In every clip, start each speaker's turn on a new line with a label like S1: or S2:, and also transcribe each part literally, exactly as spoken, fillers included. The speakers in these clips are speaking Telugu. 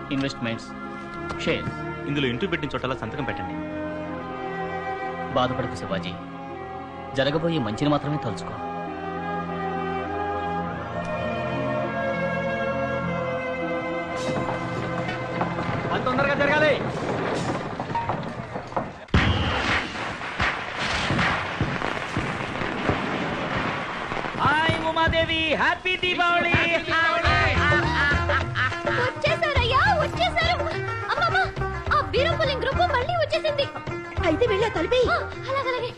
S1: Investments, shares.
S2: ఇందులో ఇంటూ పెట్టిన చోటలా సంతకం పెట్టండి.
S1: బాధపడకు శివాజీ, జరగబోయే మంచిని మాత్రమే తలుచుకో.
S3: అంత తొందరగా జరగాలి. Hi Umadevi, happy Deepavali.
S4: వచ్చేసారయ్యా, వచ్చేసారు. అమ్మమ్మ, ఆ బీరంపులింగ్ గ్రూప్ మళ్ళీ వచ్చేసింది. అయితే వెళ్ళా తలిపి. అలాగలాగే.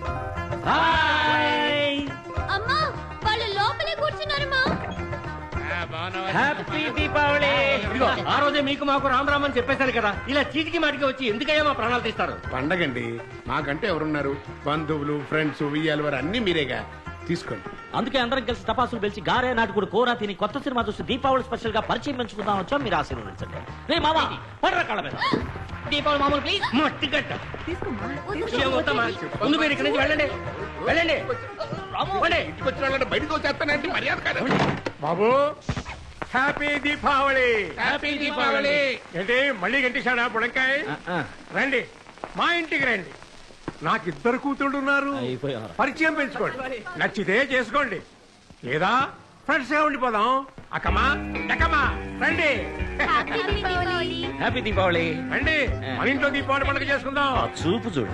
S3: హాయ్,
S4: అమ్మా, వాళ్ళు లోపలే కూర్చున్నారమ్మా.
S3: హ్యాపీ దీపావళి. ఇదిగో ఆ రోజే మీకు మాకు రామ్ రామ్ అని చెప్పేశారు కదా, ఇలా చీటికి మాటికి వచ్చి ఎందుకయ్యా మా ప్రాణాలు తీస్తారు?
S5: పండగండి, మాకంటే ఎవరున్నారు? బంధువులు, ఫ్రెండ్స్, ఉయ్యాలు వారు అన్ని మీరేగా, తీసుకోండి.
S6: అందుకే అందరం కలిసి టపాసులు పెంచి గారే నాటుకుడు కూర తిని కొత్త సినిమా చూసి దీపావళి స్పెషల్ గా పరిచయం పెంచుకుందాం వచ్చాం. మీరు ఆశీర్వదించండి. రే మామా, పడరా కాళ్ళ మీద.
S1: దీపావళి మామూలు ప్లీజ్.
S3: మట్టి గడ్డ ఏమవుతామా? ముందు మీరు ఇక్కడి నుంచి వెళ్ళండి, వెళ్ళండి.
S5: ఇంటికి వచ్చిన వాళ్ళని బయటకు వచ్చేస్తానంటే మర్యాద కాదు. బాబు, హ్యాపీ దీపావళి. హ్యాపీ దీపావళి. ఏంటి మళ్ళీ గంటేశాడా బుడంకాయ? రండి, మా ఇంటికి రండి. నాకు ఇద్దరు కూతుళ్ళు ఉన్నారు, పరిచయం పెంచుకోండి, నచ్చితే చేసుకోండి, లేదా ఫ్రెండ్స్ గా ఉండిపోదాం. అక్కమా ఎక్కమా రండి.
S6: హ్యాపీ దీపావళి.
S5: రండి, మన ఇంట్లో దీపావళి పండుగ చేసుకుందాం.
S6: చూపు చూడు.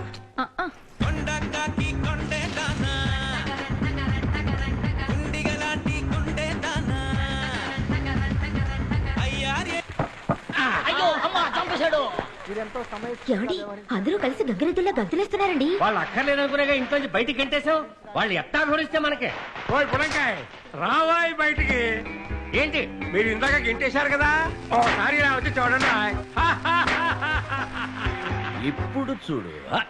S1: అయ్యో అమ్మా, చంపేశాడు.
S4: ఏమండి, అందరూ కలిసి గంగిరెద్దుల్లా గంతులేస్తున్నారండి.
S3: వాళ్ళు అక్కర్లేదనుకునేగా ఇంట్లో నుంచి బయటికి గంటేశావు. వాళ్ళు ఎట్టా ఘోరిస్తే మనకే.
S5: ఓయ్ బుడంకాయ్, రావాయి బయటికి.
S3: ఏంటి
S5: మీరు ఇందాక గింటేశారు కదా, ఓసారి ఇలా వచ్చి చూడండి.
S6: ఇప్పుడు చూడు.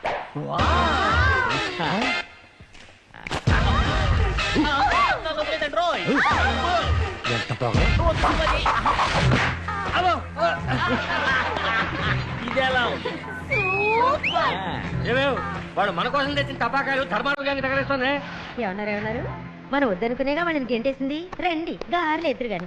S6: ఎంత బాగా ఇదేలా ఉంది.
S3: ఏమేవ్ వాడు మన కోసం తెచ్చిన టపాకాయలు ధర్మాలు తగలేస్తుంది.
S4: ఏమన్నారు ఏమన్నారు? మనం వద్దనుకునేగా వాళ్ళని గెంటేసింది. రండి, గారెలు ఎదురు గాని.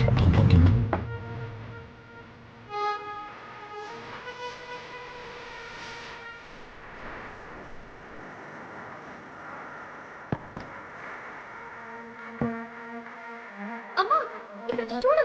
S4: అమ్మా, ఇక్కడ చూడు.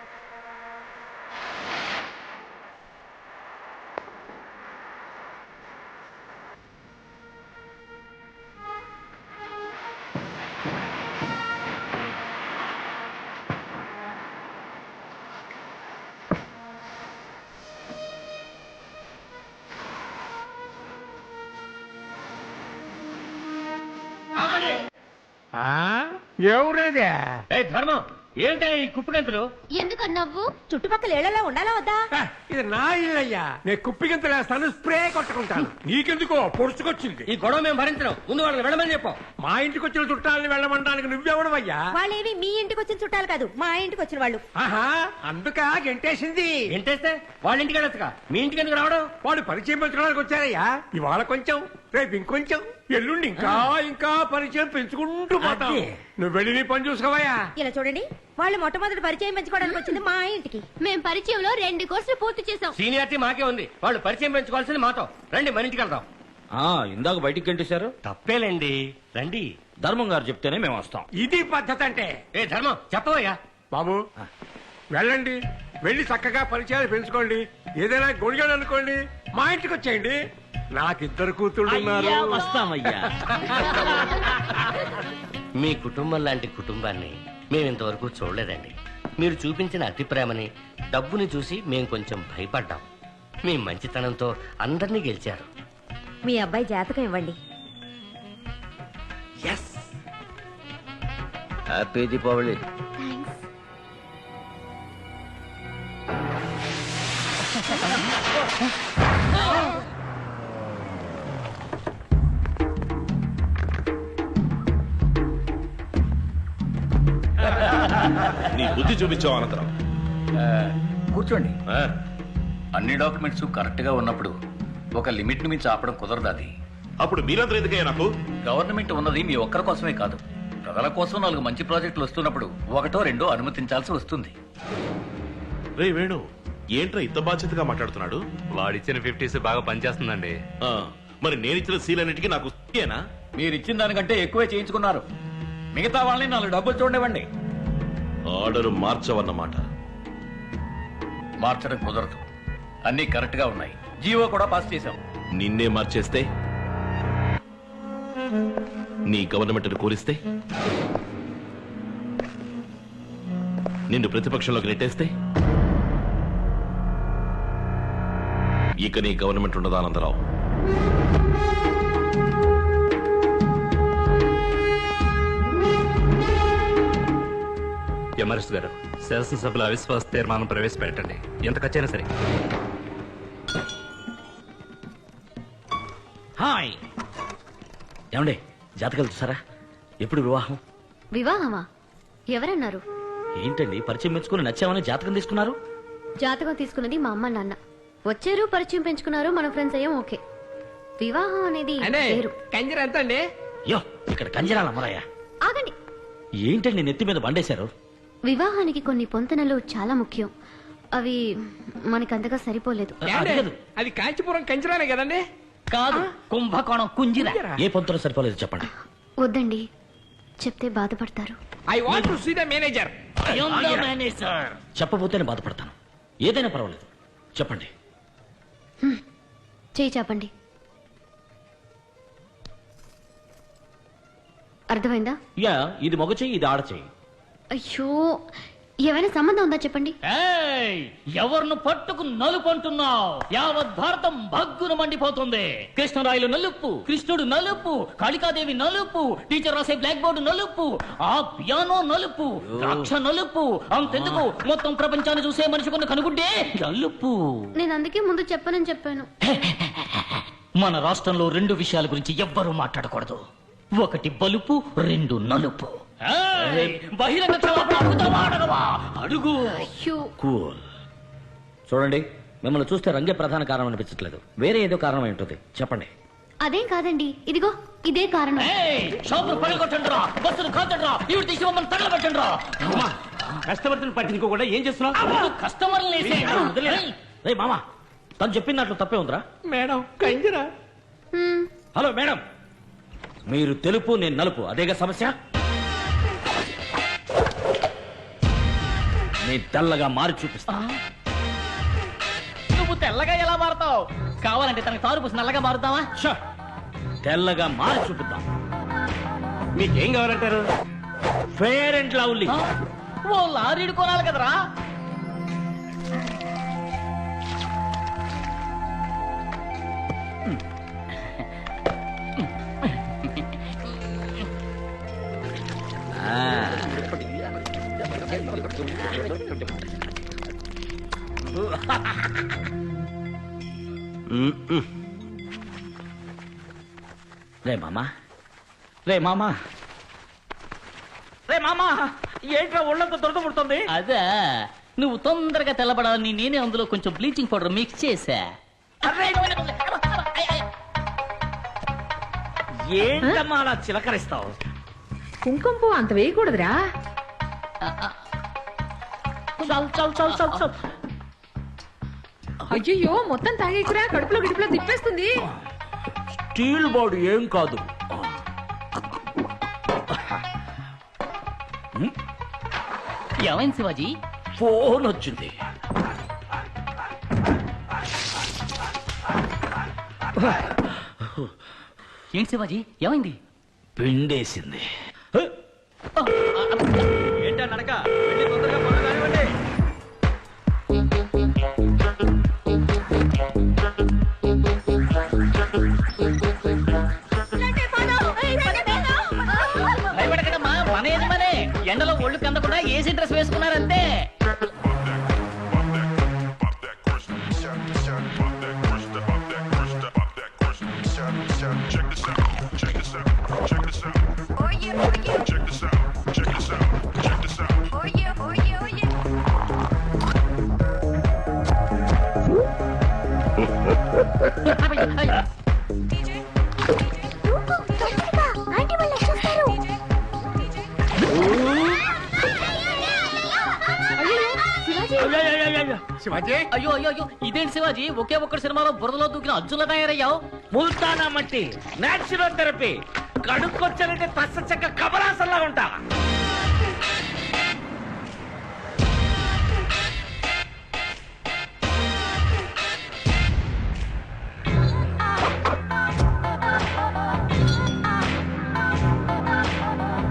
S5: ఎవరేదే?
S3: ఏ ధర్మం, ఏంటి ఈ కుప్పగంతులు?
S4: ఎందుకన్నావు? చుట్టుపక్కల ఏళ్లలో ఉండాలా వద్దా?
S5: ఇది నా ఇల్లయ్యా, నేను కుప్పిగింత వేస్తాను, స్ప్రే కొట్టుకుంటాను. నీకెందుకో పొడుచుకొచ్చింది.
S3: ఈ గొడవ మేము భరించడం, ముందు వాళ్ళని వెళ్ళమని చెప్పు.
S5: మా ఇంటికి వచ్చిన చుట్టాలని వెళ్ళమంటానికి నువ్వెవడవయ్యా?
S4: వాళ్ళేవి మీ ఇంటికి వచ్చిన చుట్టాలు కాదు, మా ఇంటికి వచ్చిన వాళ్ళు.
S5: ఆహా, అందుక గెంటేసింది.
S3: ఏంటేస్తే వాళ్ళ ఇంటికి వెళ్ళొచ్చుగా, మీ ఇంటికి ఎందుకు రావడం?
S5: వాడు పరిచయం పెంచుకోవడానికి వచ్చారయ్యా. ఇవాళ కొంచెం, రేపు ఇంకొంచెం, ఎల్లుండి ఇంకా ఇంకా పరిచయం పెంచుకుంటూ పోతాం. నువ్వు వెళ్ళి నీ పని చూసుకోవయ్యా.
S4: ఇలా చూడండి, వాళ్ళు మొట్టమొదటి పరిచయం పెంచుకోవడానికి వచ్చింది మా ఇంటికి. మేము పరిచయంలో రెండు కోర్సులు పూర్తి చేసాం.
S3: సీనియారిటీ మాకే ఉంది, వాళ్ళు పరిచయం పెంచుకోవాల్సింది మాతో. రండి, మన ఇంటికి వెళ్దాం.
S6: ఆ ఇందాక బయటికి గంటేశారు.
S3: తప్పేలేండి, రండి.
S6: ధర్మం గారు చెప్తేనే మేము వస్తాం.
S5: ఇది పద్ధతి అంటే.
S3: ఏ ధర్మం, చెప్పవయ్యా.
S5: బాబు వెళ్ళండి, వెళ్ళి చక్కగా పరిచయాలు పెంచుకోండి. ఏదైనా గొడిగాడు అనుకోండి, మా ఇంటికి వచ్చేయండి. నాకిద్దరు కూతుళ్ళు ఉన్నారు.
S6: అయ్యా, వస్తామయ్యా.
S7: మీ కుటుంబం లాంటి కుటుంబాన్ని మేము ఇంతవరకు చూడలేదండి. మీరు చూపించిన అతి ప్రేమని, డబ్బుని చూసి మేము కొంచెం భయపడ్డాం. మీ మంచితనంతో అందరినీ గెలిచారు.
S4: మీ అబ్బాయి జాతకం ఇవ్వండి.
S6: హ్యాపీ దీపావళి.
S2: నీ బుద్ధి చూపించావు అనంతరం.
S8: కూర్చోండి. అన్ని డాక్యుమెంట్స్ కరెక్ట్ గా ఉన్నప్పుడు ఒక లిమిట్ ని మించి ఆపడం కుదరదు. అది
S2: అప్పుడు మీరందరూ ఎందుకయ్యా నాకు?
S8: గవర్నమెంట్ ఉన్నది మీ ఒక్కరి కోసమే కాదు, ప్రజల కోసం. నాలుగు మంచి ప్రాజెక్టులు వస్తున్నప్పుడు ఒకటో రెండో అనుమతించాల్సి వస్తుంది.
S2: రే వేణు, ఏంట్రా ఇంత బాధ్యతగా మాట్లాడుతున్నాడు?
S9: వాడిచ్చిన ఫిఫ్టీస్ బాగా పనిచేస్తుందండి.
S2: ఆ, మరి నేనిచ్చిన సీలన్నిటికీ నాకు ఏనా?
S8: మీరు ఇచ్చిన దానికంటే ఎక్కువే చేయించుకున్నారు. మిగతా వాళ్ళని నాలుగు డబ్బులు చూడనివ్వండి.
S2: ఆర్డర్ మార్చవన్నమాట.
S8: మార్చడం కుదరదు. అన్ని కరెక్ట్ గా ఉన్నాయి. జీవో కూడా పాస్ చేశాం.
S2: నిన్నే మార్చేస్తే, నీ గవర్నమెంట్ను కూలిస్తే, నిన్ను ప్రతిపక్షంలోకి నెట్టేస్తే ఇక నీ గవర్నమెంట్ ఉండదా ఆనందరావు?
S9: ఎమరెస్ట్ గారు, శాసనసభలో అవిశ్వాస తీర్మానం ప్రవేశపెట్టండి. ఎంత ఖర్చైనా సరే.
S6: హాయ్ ఏమండి, జాతకాలు చూసారా? ఎప్పుడు వివాహం?
S4: వివాహమా? ఎవరన్నారు?
S6: ఏంటండి పరిచయం మెచ్చుకుని నచ్చామని జాతకం తీసుకున్నారు?
S4: జాతకం తీసుకున్నది మా అమ్మ నాన్న. వచ్చారు, పరిచయం పెంచుకున్నారు, మన ఫ్రెండ్స్ అయ్యాం. ఓకే. వివాహం అనేది వేరు.
S3: కంజర ఎంత అండి?
S6: యో, ఇక్కడ కంజరాల అమ్మరాయ.
S4: ఆగండి.
S6: ఏంటండి నెత్తి మీద బండేశారు?
S4: వివాహానికి కొన్ని పొంతనలు చాలా ముఖ్యం. అవి మనకంతగా సరిపోలేదు.
S6: అది కాదు.
S3: అది కాంచీపురం కంజరానే కదండి?
S1: కాదు, కుంభకోణం కుంజిర.
S6: ఏ పొంతలో సరిపోలేదు చెప్పండి.
S4: వద్దండి, చెప్తే బాధపడతారు.
S3: I want to see the manager.
S6: చెప్పబోతేనే బాధపడతాను. ఏదైనా పర్వాలేదు, చెప్పండి.
S4: చేయి చాపండి. అర్థమైందా?
S6: యా, ఇది మగ చెయ్యి, ఇది ఆడ చెయ్యి.
S4: అయ్యో, ఏమైనా సంబంధం ఉందా చెప్పండి.
S1: ఎవరిని పట్టుకు నలుపు అంటున్నావు? యావత్ భారతం భగ్గును మండిపోతుంది. కృష్ణరాయలు నలుపు, కృష్ణుడు నలుపు, కాళికాదేవి నలుపు, టీచర్ రాసే బ్లాక్ బోర్డు నలుపు, ఆ పియానో నలుపు, ద్రాక్ష నలుపు, అంతెందుకు మొత్తం ప్రపంచాన్ని చూసే మనిషి కొన్న కనుగుడ్డే నలుపు.
S4: నేను అందుకే ముందు చెప్పనని చెప్పాను.
S1: మన రాష్ట్రంలో రెండు విషయాల గురించి ఎవ్వరూ మాట్లాడకూడదు. ఒకటి బలుపు, రెండు నలుపు. బహిరంగ క్షమాపణ అడుగుతావా అడగవా? అడుగు.
S4: అయ్యో,
S6: కూల్. చూడండి, మిమ్మల్ని చూస్తే రంగే ప్రధాన కారణం అనిపించట్లేదు. వేరే ఏదో కారణం ఏంటది చెప్పండి.
S4: అదేం కాదండి, ఇదిగో ఇదే కారణం.
S1: షాపులు పడగొట్టండిరా, బస్సులు కాల్చండిరా, ఇవి తీసి మమ్మల్ని తగలబెట్టండిరా.
S3: కస్టమర్స్ పట్టించుకోకుండా ఏం చేస్తున్నావు?
S1: కస్టమర్లు
S6: రే మామా, తను చెప్పిన దాంట్లో తప్పే ఉందిరా.
S3: మేడం, కంజరా.
S4: హ్మ్,
S6: హలో మేడం, మీరు తెలుపు, నేను నలుపు, అదేగా సమస్య. నీ తెల్లగా మారి చూపిస్తా.
S1: నువ్వు తెల్లగా ఎలా మారుతావు? కావాలంటే తనకి తారు పూసి నల్లగా మారుతావా?
S6: ఛ! తెల్లగా మారి చూపిద్దాం.
S3: మీకేం కావాలంటారు?
S6: Fair and lovely.
S1: ఓ లారీడు కొనాలి కదరా.
S6: రే మామా, రే మామా, రే మామా, ఏంట్రా ఒళ్ళంతా దొరద పుడుతుంది?
S1: అదే, నువ్వు తొందరగా తెల్లబడాలని నేనే అందులో కొంచెం బ్లీచింగ్ పౌడర్ మిక్స్ చేశా.
S6: ఏంటమ్మా అలా చిలకరిస్తావు?
S10: కుంకుమ పువ్వు అంత వేయకూడదురా.
S6: చల్ చల్ చల్ చల్ చల్.
S10: అయ్యో, మొత్తం తాగేకురా, కడుపులో గిడుపులో తిప్పేస్తుంది.
S6: స్టీల్ బాడీ ఏం కాదు.
S1: ఏమైంది శివాజీ?
S6: ఫోన్ వచ్చింది.
S1: ఏంటి శివాజీ, ఏమైంది?
S6: పిండేసింది.
S3: ఏంటా నడక? వెళ్ళి తొందరగా పనులు కానివ్వండి.
S1: భయపడకడమ్మా, మన యజమానే ఎండలో ఒళ్ళు కందకుండా ఏసీ డ్రెస్ వేసుకున్నారంతే.
S5: శివాజీ
S1: అయ్యో అయ్యో అయ్యో ఇదేంటి శివాజీ ఒకే ఒక్కటి సినిమాలో బురదలో దూకిన అర్జున్లా తయారయ్యావు.
S6: ముల్తానా మట్టి, నేచురల్ థెరపీ, కడుక్కొచ్చానంటే తస్స చెక్క కబరాసల్లా ఉంటా.